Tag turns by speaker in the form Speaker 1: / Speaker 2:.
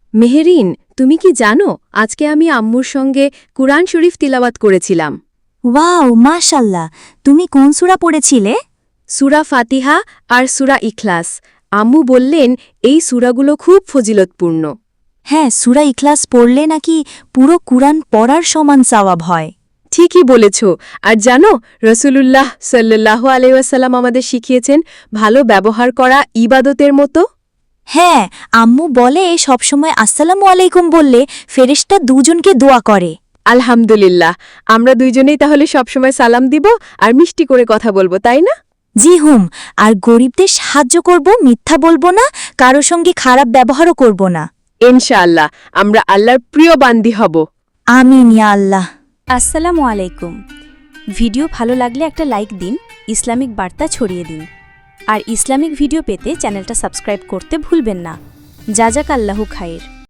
Speaker 1: মেহেরিন, তুমি কি জানো আজকে আমি আম্মুর সঙ্গে কুরআন শরীফ তিলাওয়াত করেছিলাম।
Speaker 2: ওয়াও, মাশাল্লাহ। তুমি কোন সূরা পড়েছিলে?
Speaker 1: সূরা ফাতিহা আর সূরা ইখলাস। আম্মু বললেন এই সূরাগুলো খুব ফজিলতপূর্ণ।
Speaker 2: হ্যাঁ, সূরা ইখলাস পড়লে নাকি পুরো কুরআন পড়ার সমান সওয়াব হয়।
Speaker 1: ঠিকই বলেছ। আর জানো রসূলুল্লাহ সাল্লাল্লাহু আলাইহি ওয়াসাল্লাম আমাদের শিখিয়েছেন ভালো ব্যবহার করা ইবাদতের মতো।
Speaker 2: হ্যাঁ, আম্মু বলে সবসময় আসসালামু আলাইকুম বললে ফেরেশতা দুজনকে দোয়া করে।
Speaker 1: আলহামদুলিল্লাহ, আমরা দুইজনেই তাহলে সবসময় সালাম দিব আর মিষ্টি করে কথা বলবো, তাই না?
Speaker 2: জি হুম, আর গরিবদের সাহায্য করব, মিথ্যা বলবো না, কারো সঙ্গে খারাপ ব্যবহারও করব না।
Speaker 1: ইনশাআল্লাহ আমরা আল্লাহর প্রিয় বান্দি হব।
Speaker 2: আমিন ইয়া আল্লাহ।
Speaker 3: আসসালামু আলাইকুম। ভিডিও ভালো লাগলে একটা লাইক দিন, ইসলামিক বার্তা ছড়িয়ে দিন। আর ইসলামিক ভিডিও পেতে চ্যানেলটা সাবস্ক্রাইব করতে ভুলবেন না। জাযাকাল্লাহু খাইর।